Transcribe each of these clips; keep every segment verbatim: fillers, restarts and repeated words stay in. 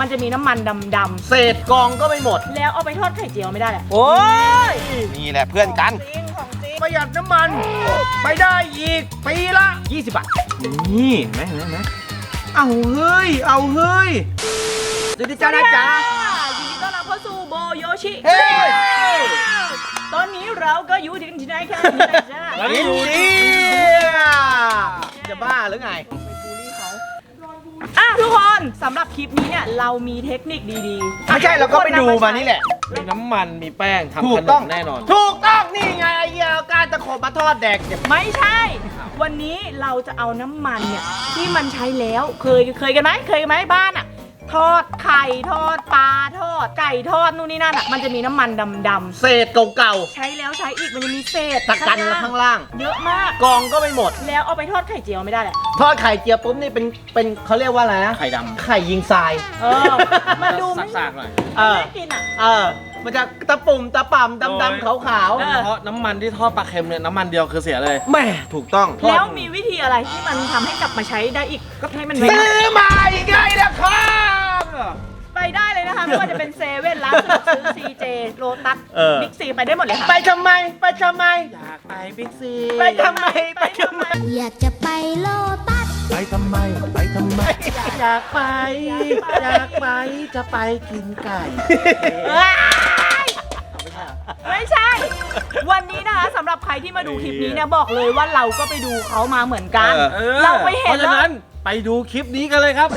มันจะมีน้ำมันดำๆเศษกองก็ไม่หมดแล้วเอาไปทอดไข่เจียวไม่ได้แหละโอ้ยนี่แหละเพื่อนกันประหยัดน้ำมันไปได้อีกปีละยี่สิบบาทนี่เห็นไหมเห็นไหมเอาเฮ้ยเอาเฮ้ยสวัสดีจ้านะจ๊ะยินดีต้อนรับเข้าสู่โบโยชิเฮ้ยตอนนี้เราก็อยู่ที่ที่ไหนกันจ้าอินเดียจะบ้าหรือไงอ่ะทุกคนสำหรับคลิปนี้เนี่ยเรามีเทคนิคดีๆไม่ใช่เราก็ไปดูมานี่แหละมีน้ำมันมีแป้งทำขนมแน่นอนถูกต้องนี่ไงไอ้เหี้ยการตะขบมาทอดแดกไม่ใช่วันนี้เราจะเอาน้ำมันเนี่ยที่มันใช้แล้วเคยเคยกันไหมเคยกันไหมบ้านอ่ะทอดไข่ทอดปลาทอดไก่ทอดนู่นนี่นั่นอ่ะมันจะมีน้ำมันดำๆเศษเก่าๆใช้แล้วใช้อีกมันจะมีเศษตะกันแล้วข้างล่างเยอะมากกองก็ไม่หมดแล้วเอาไปทอดไข่เจียวไม่ได้แหละทอดไข่เจียวปุ๊บนี่เป็นเป็นเขาเรียกว่าอะไรนะไข่ดำไข่ยิงทรายเออมันดูสากๆหน่อยเออไม่กินอ่ะเออมันจะตะปุ่มตะป่ำดำดำขาวขาวเพราะน้ำมันที่ทอดปลาเค็มเนี่ยน้ำมันเดียวคือเสียเลยแม่ถูกต้องแล้วมีวิธีอะไรที่มันทำให้กลับมาใช้ได้อีกก็ให้มันซื้อมาอีกไงนะครับไปได้เลยนะคะไม่ว่าจะเป็นเซเว่นร้านสะดวกซื้อ ซี เจ โลตัสบิ๊กซีไปได้หมดเลยค่ะไปทำไมไปทำไมอยากไปบิ๊กซีไปทำไมไปทำไมอยากจะไปโลตัสไปทำไมไปทำไมอยากไปอยากไปจะไปกินไก่ไม่ใช่วันนี้นะคะสำหรับใครที่มาดูคลิปนี้เนี่ยบอกเลยว่าเราก็ไปดูเขามาเหมือนกันเราไปเห็นเพราะฉะนั้นไปดูคลิปนี้กันเลยครับ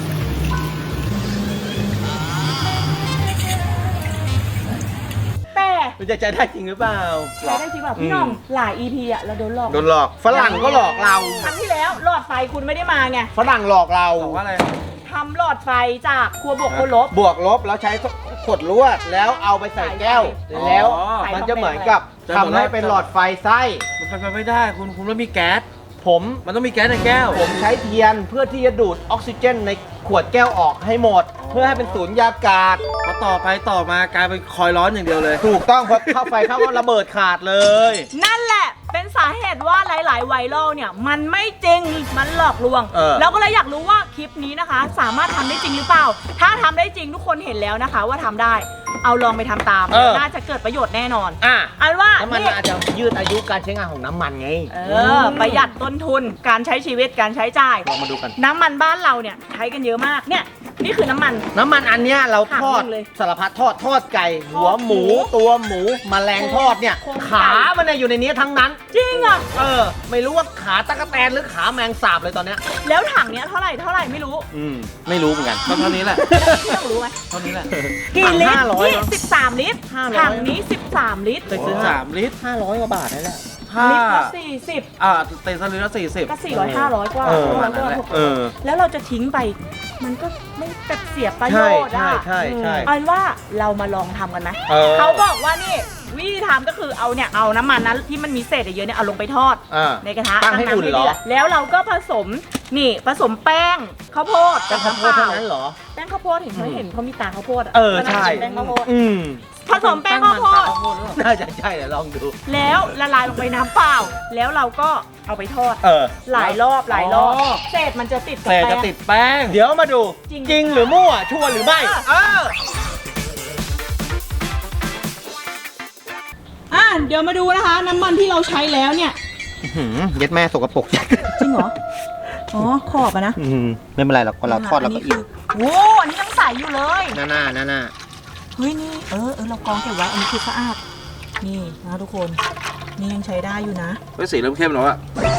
แต่มันจะใจได้จริงหรือเปล่าใช้ได้จริงแบบพี่น้องหลาย อี พี อ่ะเราโดนหลอกโดนหลอกฝรั่งก็หลอกเราครั้งที่แล้วหลอดไฟคุณไม่ได้มาไงฝรั่งหลอกเราบอกว่าอะไรทำหลอดไฟจากครัวบวกครัวลบบวกลบแล้วใช้ขวดลวดแล้วเอาไปใส่แก้วแล้วมันจะเหมือนกับทำให้เป็นหลอดไฟไส้มันเป็นไปไม่ได้คุณคุณต้องมีแก๊สผมมันต้องมีแก๊สในแก้วผมใช้เทียนเพื่อที่จะดูดออกซิเจนในขวดแก้วออกให้หมดเพื่อให้เป็นสูญญากาศพอต่อไปต่อมากลายเป็นคอยร้อนอย่างเดียวเลยถูกต้องเพราะเข้าไฟเข้าก็ระเบิดขาดเลยนั่นแหละเป็นสาเหตุว่าหลายๆไวรัลเนี่ยมันไม่จริงมันหลอกลวงเราก็เลยอยากรู้ว่าคลิปนี้นะคะสามารถทำได้จริงหรือเปล่าถ้าทำได้จริงทุกคนเห็นแล้วนะคะว่าทำได้เอาลองไปทำตามน่าจะเกิดประโยชน์แน่นอนอ่ะอันว่าน้ำมันอาจจะยืดอายุการใช้งานของน้ำมันไงเออประหยัดต้นทุนการใช้ชีวิตการใช้จ่ายลองมาดูกันน้ำมันบ้านเราเนี่ยใช้กันเยอะมากเนี่ยนี่คือน้ำมันน้ำมันอันเนี้ยเราทอดสารพัดทอดทอดไก่หัวหมูตัวหมูแมลงทอดเนี่ยขามันเนี่ยอยู่ในนี้ทั้งนั้นจริงอ่ะเออไม่รู้ว่าขาตะกั่วแตนหรือขาแมงสาบเลยตอนเนี้ยแล้วถังเนี้ยเท่าไหร่เท่าไหร่ไม่รู้อืมไม่รู้เหมือนกันก็เท่านี้แหละพี่ต้องรู้ไหมเท่านี้แหละกี่ลิตรนี่สิบสามลิตรถังนี้สิบสามลิตรไปซื้อสามลิตรห้าร้อยกว่าบาทนั่นแหละลิตรละสี่สิบอ่าเต็มลิตรละสี่สิบก็สี่ร้อยห้าร้อยกว่าแล้วเราจะทิ้งไปมันก็ไม่แบบเสียประโยชน์อ่ะใช่ใช่เอาว่าเรามาลองทำกันไหมเขาบอกว่านี่วิธีทำก็คือเอาเนี่ยเอาน้ำมันนั้นที่มันมีเศษเยอะเนี่ยเอาลงไปทอดในกระทะตั้งให้อุ่นเหรอแล้วเราก็ผสมนี่ผสมแป้งข้าวโพดกับข้าวโพดเท่านั้นเหรอแป้งข้าวโพดเห็นเขาเห็นเขามีตาข้าวโพดอ่ะเออใช่แป้งข้าวโพดอืมผสมแป้งข้าวโพดน่าจะใช่เดี๋ยวลองดูแล้วละลายลงไปน้ำเปล่าแล้วเราก็เอาไปทอดหลายรอบหลายรอบเศษมันจะติดเศษจะติดแป้งเดี๋ยวมาดูจริงหรือมั่วชัวร์หรือไม่เอออ่ะเดี๋ยวมาดูนะคะน้ำมันที่เราใช้แล้วเนี่ยเย็ดแม่สกปรกจริงเหรออ๋อขอบอะนะไม่เป็นไรหรอกเราทอดแล้วก็อิ่มโอ้อันนี้ยังใสอยู่เลยหน้าหน้าหน้าหน้าเฮ้ยนี่เออเออเรากองเก็บไว้อันนี้คือสะอาดนี่นะทุกคนนี่ยังใช้ได้อยู่นะเฮ้ยสีเริ่มเข้มแล้วอะ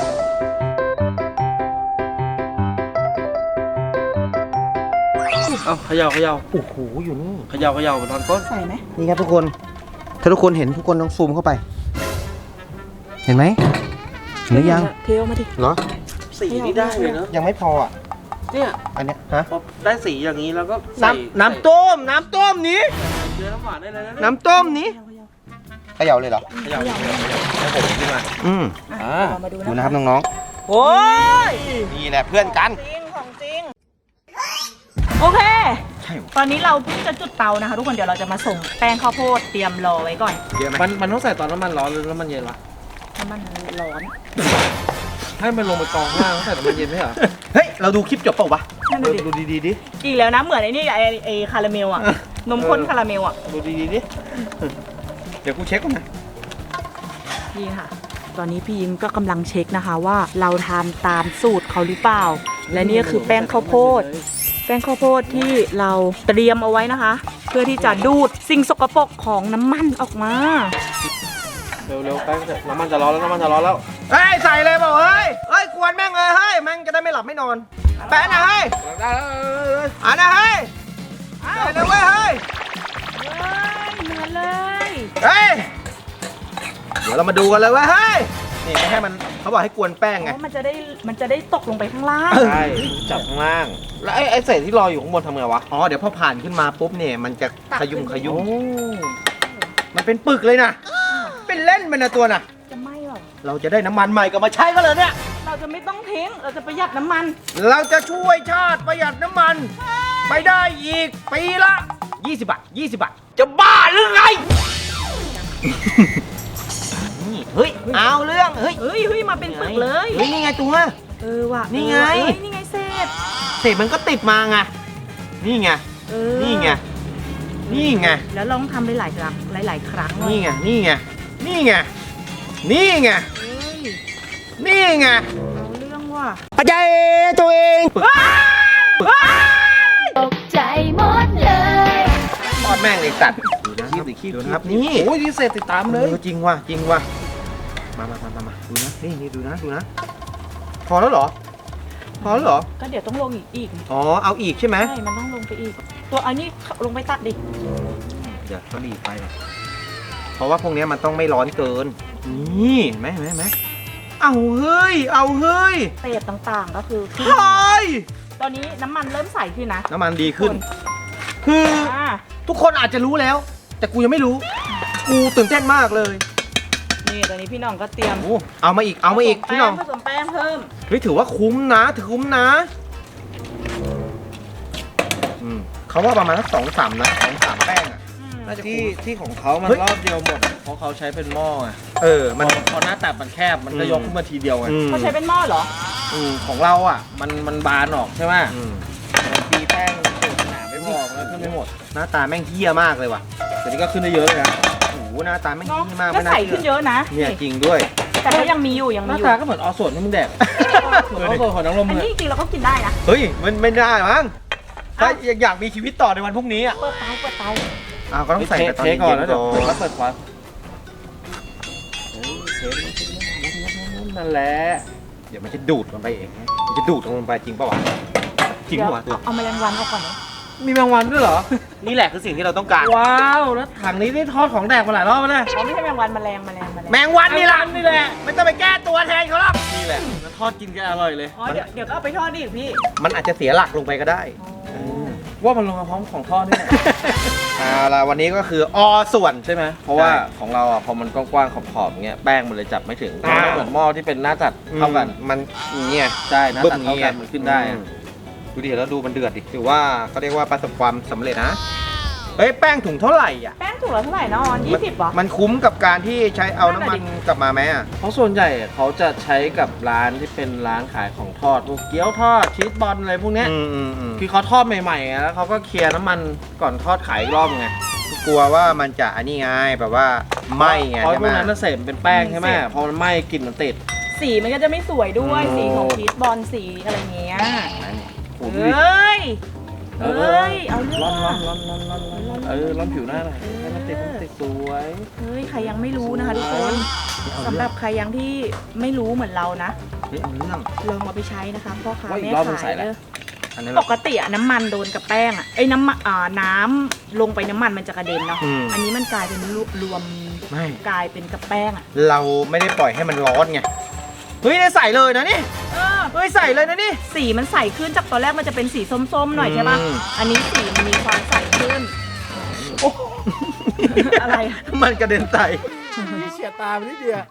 เอาเขย่าเขย่าโอ้โหอยู่นี่เขย่าเขย่าตอนต้นใส่ไหมนี่ครับทุกคนถ้าทุกคนเห็นทุกคนต้องซูมเข้าไปเห็นไหมหรือยังเทลมาดิเหรอสีนี่ได้เลยเนอะยังไม่พออ่ะเนี่ยอันเนี้ยฮะได้สีอย่างนี้แล้วก็น้ำน้ำต้มน้ำต้มนี้เจอน้ำหวานได้เลยนะน้ำต้มนี้เขย่าเลยเหรอเขย่าให้ผมขึ้นมาอืมอ่าดูนะครับน้องๆโอ้ยนี่แหละเพื่อนกันจริงของจริงโอเคตอนนี้เราเพิ่งจะจุดเตานะคะทุกคนเดี๋ยวเราจะมาส่งแป้งข้าวโพดเตรียมรอไว้ก่อนมันมันต้องใส่ตอนน้ำมันร้อนหรือน้ำมันเย็นวะน้ำมันร้อนให้มันลงไปกองข้างล่างใส่น้ำมันเย็นไหมเหรอเฮ้ยเราดูคลิปจบเปล่าวะนั่นน่ะดิดูดีๆดิอีกแล้วนะเหมือนไอ้นี่ไอ้ไอ้คาราเมลอ่ะเออนมข้นคาราเมลอ่ะดูดีๆดิเดี๋ยวกูเช็คก่อนนะนี่ค่ะ ตอนนี้พี่ยิ้มก็กำลังเช็คนะคะว่าเราทำตามสูตรเขาหรือเปล่า และนี่ก็คือแป้งข้าวโพด แป้งข้าวโพดที่เราเตรียมเอาไว้นะคะ เพื่อที่จะดูดสิ่งสกปรกของน้ำมันออกมาเร็วๆแป้งน้ำมันจะร้อนแล้วน้ำมันจะร้อนแล้วเฮ้ยใส่เลยบอกเฮ้ยเฮ้ยกวนแม่งเลยเฮ้ยแม่งจะได้ไม่หลับไม่นอนแปะนะเฮ้ยได้แล้วอ่ะนะเฮ้ยใส่เลยเว้ยเฮ้ยเหมือนเลยเฮ้ยเดี๋ยวเรามาดูกันเลยเว้ยเฮ้ยนี่ไม่ให้มันเขาบอกให้กวนแป้งไงเพราะมันจะได้มันจะได้ตกลงไปข้างล่างใช่จับข้างล่าง แล้วไอ้ไอ้เศษที่ลอยอยู่ข้างบนทำไงวะอ๋อเดี๋ยวพอผ่านขึ้นมาปุ๊บเนี่ยมันจะขยุ่มขยุ่มมันเป็นปึกเลยนะเป็นเล่นเป็นนะตัวน่ะจะไหม้หรอเราจะได้น้ำมันใหม่กลับมาใช้ก็เลยเนี่ยเราจะไม่ต้องทิ้ง เราจะประหยัดน้ำมันเราจะช่วยชาติประหยัดน้ำมัน ไปได้อีกปีละยี่สิบบาทยี่สิบบาทจะบ้าหรือไงนี่เฮ้ยเอาเรื่องเฮ้ยเฮ้ยเฮ้ยมาเป็นปึกเลยเฮ้ยนี่ไงตัวเออว่ะนี่ไงเออเอ้ยนี่ไงเศษเศษมันก็ติดมาไงนี่ไงเออนี่ไงนี่ไงแล้วลองทำหลายๆครั้งหลายๆครั้งนี่ไงนี่ไงนี่ไงนี่ไงเฮ้ยนี่ไงเอาเรื่องว่ะปัจจัยตัวเองตกใจหมดเลยทอดแม่งเลยสัตว์ดูนะครับดูนะครับนี่โอ้ยนี่เศษติดตามเลยออจริงว่ะจริงว่ะมามามามามาดูนะนี่นี่ดูนะดูนะพอแล้วเหรอพอแล้วเหรอก็เดี๋ยวต้องลงอีกอีกอ๋อเอาอีกใช่ไหมใช่ มันต้องลงไปอีก ตัวอันนี้ลงไปตัดดิเดี๋ยวเขาดีไฟหน่อยเพราะว่าพวกเนี้ยมันต้องไม่ร้อนเกินนี่เห็นไหมเห็นไหมเห็นไหมเอาเฮ้ยเอาเฮ้ยเศษต่างๆก็คือขึ้นเฮ้ยตอนนี้น้ำมันเริ่มใสขึ้นนะน้ำมันดีขึ้น คืออ่าทุกคนอาจจะรู้แล้ว แต่กูยังไม่รู้ กูตื่นเต้นมากเลยนี่ตอนนี้พี่น้องก็เตรียมโอ้เอามาอีกเอามาอีกผสพี่น้องแป้ผสมแป้งเพิ่มเฮ้ยถือว่าคุ้มนะถือคุ้มนะอืมเขาว่าประมาณสักสองสามนะสองสามแป้งอ่ะ น่าจะที่ที่ของเขามันเฮ้ยรอบเดียวหมด เพราะเขาใช้เป็นหม้อไงเออมัมัน นพอหน้าตัดมันแคบ มันก็อืมยกขึ้นมาทีเดียวไงอืมเขาใช้เป็นหม้อเหรออืมของเราอ่ะ มันมันบานออกใช่ไหมอืมมันตีแป้งหนาไม่พอมันก็ขึ้นไม่หมดหน้าตาแม่งเฮี้ยมากเลยว่ะแต่นี่ก็ขึ้นได้เยอะเลยนะโอ้โหหน้าตาแม่งเนาะเฮี้ยมากก็ไม่น่าใสเชื่ขึ้นเยอะนะเนี่ยจริงด้วยแต่ก็ยังมีอยู่ยังหมีน้าอยู่ตาก็เหมือนออส่วนที่มึงแดกเหมือนออส่วนของน้องลมอันเลยนี้จริงๆเราก็กินได้นะเฮ้ยมันไม่ได้มั้งถ้าอยากมีชีวิตต่อในวันพรุ่งนี้อ่ะเปิดเตาเปิดเตาอ้าวก็ต้องใส่แต่ตอนเทเย็นก่อนๆแล้วเดี๋ยวก่เปิดอนวัดเปิดควันเทนั่นแหละเดี๋ยวมันจะดูดลงไปเองนะมันจะดูดลงไปจริงป่าวะจริงเดี๋ยวป่าวะตัวเอาแมลงวันออกก่อนนะมีแมงวันด้วยเหรอนี่แหละคือสิ่งที่เราต้องการว้าวแล้วถังนี้นี่ทอดของแดกมาหลายรอบแล้วเนี่ยอ๋อไม่ใช่แมลงวันแมลงแมลงแมลงแมงวันนี่แหละแมงวันนี่แหละไม่ต้องไปแก้ตัวแทนเขาหรอกนี่แหละแล้วทอดกินกันอร่อยเลยอ๋อเดี๋ยวเดี๋ยวก็เอาไปทอดดิพี่มันอาจจะเสียหลักลงไปก็ได้ว่ามันลงมาพร้อมของทอดนี่แหละเอาล่ะวันนี้ก็คืออส่วนใช่ไหมเพราะว่าใช่ของเราอ่ะพอมันกว้างๆขอบๆเงี้ยแป้งมันเลยจับไม่ถึงอ่าไม่เหมือนหม้อที่เป็นหน้าตัดเท่ากันมันอย่างเนี่ยใช่หน้าตัดเท่ากันมันขึ้นได้อือะมดูดิแล้วดูมันเดือดดิถือว่าเขาเรียกว่าประสบความสำเร็จนะเฮ้ยแป้งถุงเท่าไหร่อ่ะแป้งถุงละเท่าไหร่นะออนยี่สิบเหรอมันคุ้มกับการที่ใช้เอาน้ำมันกลับมาไหมอ่ะเพราะส่วนใหญ่เขาจะใช้กับร้านที่เป็นร้านขายของทอดพวกเกี๊ยวทอดชีสบอลอะไรพวกเนี้ยอืมอืมอืมคือเขาทอดใหม่ๆไงแล้วเขาก็เคลียร์น้ำมันก่อนทอดขายอีกรอบไงกลัวว่ามันจะอันนี้ไงแบบว่าไหม้ไงเพราะใช่พไหมวกนั้นน่ะเสพเป็นแป้งใช่ไหมพอมันไหม้กลิ่นมันติดสีมันก็จะไม่สวยด้วยโอ้สีของชีสบอลสีอะไรเงี้ยโอ้โหเอดูดิ้ย เอ้ย เอาเรื่องร้อนร้อนว่ะร้อนร้อนร้อนร้อนเออร้อนผิวหน้าหน่อยให้มันติดให้มันติดสวยเฮ้ย ใครยังไม่รู้นะคะทุกคน สำหรับใครยังที่ไม่รู้เหมือนเรานะเฮ้ยเอาเรื่องลองมาไปใช้นะคะพ่อค้าว่าอีแม่กรอบมึงขาใส่ยอะไรเด้ออันนี้ปเรากติอะน้ำมันโดนกับแป้งอะไอ้น้ำมันอ่าน้ำลงไปน้ำมันมันจะกระเด็นเนาะอืมอันนี้มันกลายเป็นรวบรวมไม่กลายเป็นกับแป้งอะเราไม่ได้ปล่อยให้มันร้อนไงเฮ้ยได้ใส่เลยนะนี่เออเฮ้ยใส่เลยนะนี่สีมันใสขึ้นจากตอนแรกมันจะเป็นสีส้มๆหน่อยใช่ปะอืมอันนี้สีมันมีความใสขึ้น โอ้อะไรอะมันกระเด็นใส่เฉียดตาไปนิดเดียว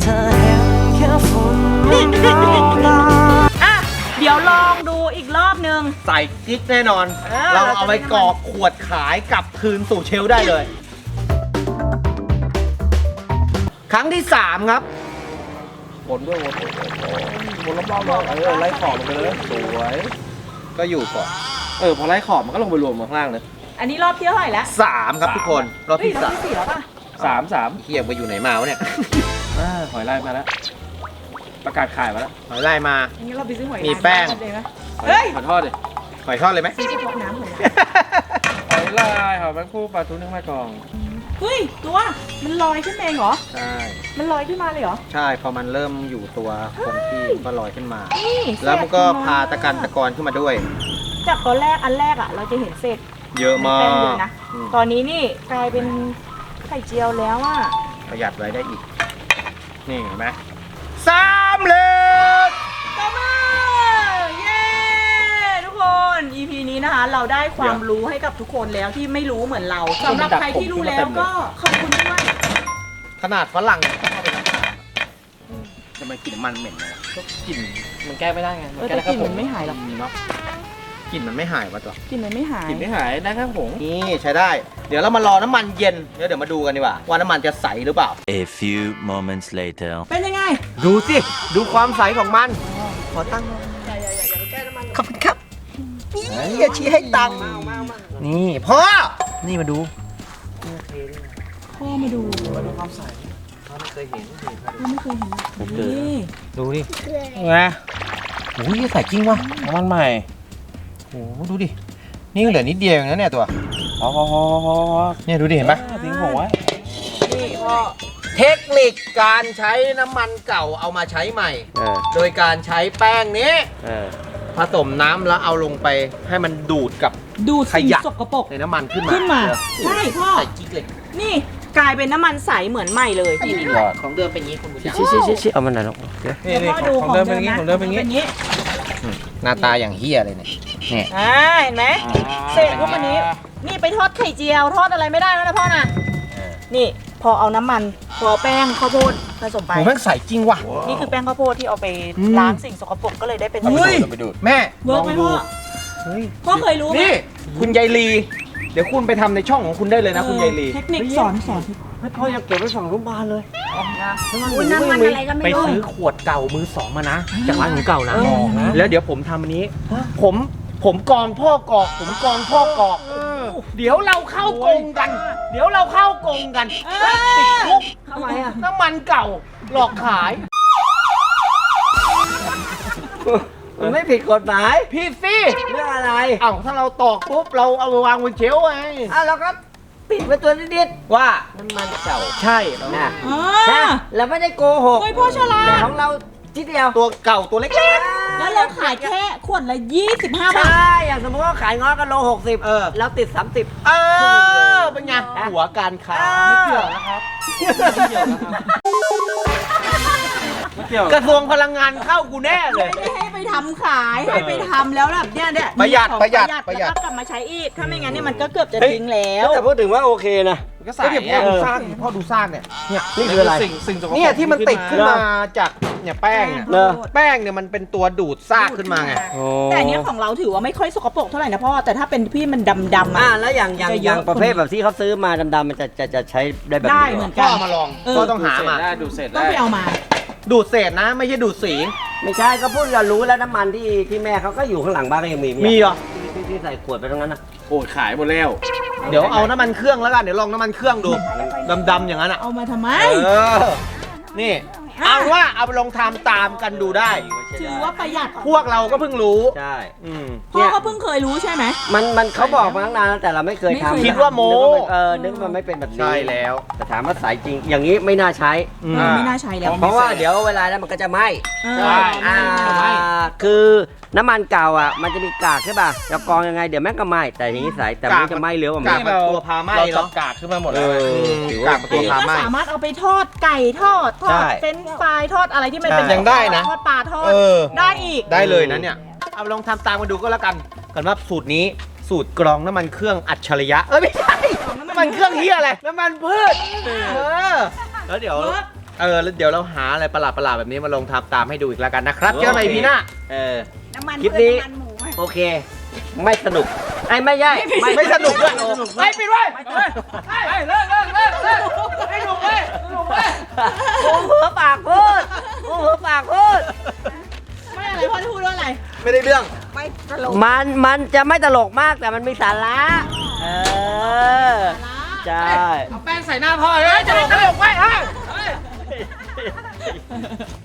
อ่ะ เดี๋ยวลองดูอีกรอบนึงใส่กิ๊กแน่นอนเออเราเราจะเอาไปได้น้ำมันกรอกขวดขายกลับคืนสู่เชลฟ์ได้เลย ครั้งที่สามครับวนด้วยวนวนวนรอบๆเลยเออไล่ขอบลงไปเลยสวยก็อยู่ก่อนเออพอไล่ขอบมันก็ลงไปรวมข้างล่างเลยอันนี้รอบที่เท่าไหร่แล้วสามครับทุกคนรอบเฮ้ยที่รอบสามที่สี่แล้วป่ะสามสามเฮียไปอยู่ไหนมาวะเนี่ยอ่าหอยลายมาแล้วประกาศขายมาแล้วหอยลายมาอันนี้เราไปซื้อหอยมีแป้งลายมาเลยไหมหอยเฮ้ยขอทอดดิหอยทอดเลยไหมซื้อเฉพาะน้ำหอยลายหอยลายหอยแมงคู่ปลาทูนึ่งมะกองเฮ้ยตัวมันลอยขึ้นเองเหรอใช่มันลอยขึ้นมาเลยเหรอใช่พอมันเริ่มอยู่ตัวคงที่ก็ลอยขึ้นมานี่แล้วมันก็เศษพาตะกันตะกอนขึ้นมาด้วยจากตอนแรกอันแรกอ่ะ เราจะเห็นเศษเยอะมาแป้งเยกอะนะอืมตอนนี้นี่กลายเป็นไข่เจียวแล้วอ่ะประหยัดไว้ได้อีก นี่เห็นไหมสามเหลยตบมือเย้ ทุกคน อี พี นี้นะคะ เราได้ความรู้ให้กับทุกคนแล้วที่ไม่รู้เหมือนเราสำหรับใครที่รู้แล้วก็ขอบคุณด้วยขนาดฝรั่งเข้าไปทำทำไมกลิ่นมันเหม็นเลยก็กลิ่นมันแก้ไม่ได้ไงเออแต่กลิ่นมันไม่หายหรอกเนาะกลิ่นมันไม่หายวะตัวกลิ่นมันไม่หายกลิ่นไม่หายได้แค่ผงนี่ใช้ได้ เดี๋ยวเรามารอน้ำมันเย็นเดี๋ยวเดี๋ยวมาดูกันดีกว่าว่าน้ำมันจะใสหรือเปล่า A few moments later. เป็นยังไงดูสิ ดูความใสของมัน ขอตั้งขอบคุณครับนี่อย่าชี้ให้ตังค์นี่พ่อ นี่มาดูพ่อมาดูมาดูความใสพ่อไม่เคยเห็นนี่ดูดิไงโอ้ยใสจริงว่ะน้ำมันใหม่โอ้โหดูดิ นี่เหลือนิดเดียวเองนะเนี่ยตัวพอพอพอพอพอเนี่ยดูดิเห็นปะทิ้งผงไว้นี่พ่อเทคนิคการใช้น้ำมันเก่าเอามาใช้ใหม่เออโดยการใช้แป้งนี้เออผสมน้ำแล้วเอาลงไปให้มันดูดกับดูดขสิ่งยะสกปรกในน้ำมันขึ้นมาขึ้นมาเออใช่พ่อใส่กิ๊กเลยนี่กลายเป็นน้ำมันใสเหมือนใหม่เลยนี่ยอดของเดิมเป็นอย่างนี้คุณผู้ชมชี้ชี้ชี้ชี้เอามันไหนอยลูกเดี๋ยวพ่อดูของเดิมเป็นอย่างนี้ของเดิมเป็นอย่างเป็นนี้นี้หน้าตาอย่างเฮียเลยเนี่ยเนี่ยอ่าเห็นไหมเศษพวกอันนี้ นี่ไปทอดไข่เจียวทอดอะไรไม่ได้แล้วนะพ่อนะนี่พอเอาน้ำมันพอแป้งข้าวโพดผสมไปโหแม่งใสจริงว่ะนี่คือแป้งข้าวโพดที่เอาไปอืมล้างสิ่งสกปรกก็เลยได้เป็นเฮ้ยไปดูดแม่เวิร์กไหมพ่อเฮ้ยพ่อเคยรู้ไหมนี่คุณยายลี เดี๋ยวคุณไปทำในช่องของคุณได้เลยนะคุณยายลีเทคนิคสอนสอนพ่ออยากเก็บไว้สองรูปบานเลยอุ้ยน้ำมันอะไรก็ไปไม่รู้ซื้อขวดเก่ามือสองมานะ จากร้านของเก่านะเออแล้วเดี๋ยวผมทำอันนี้ ผมผมกองพ่อกอก ผมกองพ่อกอก เดี๋ยวเราเข้ากงกัน เดี๋ยวเราเข้ากงกันเออติดคุกทำไมอ่ะน้ำมันเก่าหลอกขายมันไม่ผิดกฎหมายพี่สิเรื่องอะไรเอ้าถ้าเราตอกปุ๊บเราเอามาวางบนเชลฟ์ไงอ่ะเราก็ปิดไว้ตัวนิดว่าๆน้ำมันเก่าใช่นะอ่ฮะาเราไม่ได้โกหกเฮ้ยพ่อฉลาดแต่ของเราทีเดียวตัวเก่าตัวเล็กแล้วเราขายแค่ขวดละยี่สิบห้าใชบาท่ อย่างสมมติว่าขายง้อกันโลหกสิบเออเราติดสามสิบเออเป็นไงหัวการค้าไม่เกี่ยวนะครับไม่เกี่ยวกระทรวงพลังงานเข้ากูแน่เลยไม่ได้ให้ไปทำขายให้ไปทำแล้วแบบเนี่ยเนี่ยประหยัดของประหยัดแล้วประหยัดก็กลับมาใช้อีกถ้าไม่งั้นเนี่ยมันก็เกือบจะทิ้งแล้วแต่พูดถึงว่าโอเคนะก็ใส่พ่อดูสร้างพ่อดูสร้างเนี่ยเนี่ยนี่คืออะไรสิ่งสิ่งสกปรกเนี่ยที่มันติดขึ้นมาจากเนี่ยแป้งเนี่ยเนอะแป้งเนี่ยมันเป็นตัวดูดซากขึ้นมาไงแต่อันเนี้ยของเราถือว่าไม่ค่อยสกปรกเท่าไหร่นะพ่อแต่ถ้าเป็นพี่มันดำๆอ่าอ่ะแล้วอย่างอย่างจะอเยอะย่างประเภทแบบที่เขาซื้อมาดำๆมันจะจะจะใช้ได้แบบได้นี้เหมือนพ่กัอน เอามาลองเออพ่อต้องหามาได้ดูดเสร็จต้องไปเอามาดูดเศษนะไม่ใช่ดูดสีไม่ใช่ก็พูดกันรู้แล้วน้ำมันที่ที่แม่เขาก็อยู่ข้างหลังบ้านก็ยังมีมีเหรอที่ที่ใส่ขวดไปตรงนั้นนะโอ้ยขายหมดแล้วเดี๋ยวเอาน้ำมันเครื่องแล้วกันเดี๋ยวลองน้ำมันเครื่องดูดำๆอย่างนั้นอ่ะเอามาทำไมเออนี่เอาว่าเอาไปลองทำตามกันดูได้ถือว่าประหยัดพวกเราก็เพิ่งรู้ใช่อืมพ่อก็เพิ่งเคยรู้ใช่ไหมมันมันเขาบอกมาตั้งนานแล้วแต่เราไม่เคยไม่เคยทำคิดว่าโม้นึกว่ามันเออนึกว่ามันไม่เป็นแบบนี้ใช่แล้วแต่ถามว่าสายจริง อย่างนี้ไม่น่าใช้อืมเออไม่น่าใช้แล้วเพราะว่าเดี๋ยวเวลานั้นมันก็จะไหม้เออใช่อ่าไหม้คือน้ำมันเก่าอ่ะมันจะมีกากใช่ป่ะจะกรองยังไงเดี๋ยวแม่งก็ไหม้แต่อย่างนี้สายแต่มันจะไหม้เร็วกว่าไหมกากมันตัวพาไหม้เราจัเนาะบกากขึ้นมาหมดเอแล้วอถือว่ากากโอมันเคตัวพาก็ไหม้สามารถเอาไปทอดไก่ทอดทอดใช่เฟรนช์ฟรายทอดอะไรที่มันเป็นใช่ยังได้นะทอดปลาทอดเออได้อีกได้เลยนะเนี่ย เอาลองทำตามมาดูก็แล้วกันกันว่าสูตรนี้สูตรกรองน้ำมันเครื่องอัจฉริยะ เอ้ยไม่ใช่น้ำมันเครื่องเฮียอะไร น้ำมันพืช เออ แล้วเดี๋ยว เออแล้วเดี๋ยวเราหาอะไรประหลาดประหลาดๆแบบนี้มาลองทำตามให้ดูอีกแล้วกันนะครับ เจอกันใหม่พีหน้าเออน้ำมันคลิปพืชนี้น้ำมันหมูไหมโอเค ไม่สนุกไอ้ไม่ใช่ไม่สนุกด้วยไปปิดไว้ไปเลิกเลิกเลิกเลิกให้หนุกเลยหนุกเลยโอ้เผลอปากพูดโอ้หัวปากพูดไม่อะไรพ่อจะพูดว่าอะไรไม่ได้เรื่องมันมันจะไม่ตลกมากแต่มันมีสาระเออใช่เอาแป้งใส่หน้าพ่อเลยจะได้ตลกไว้ฮะ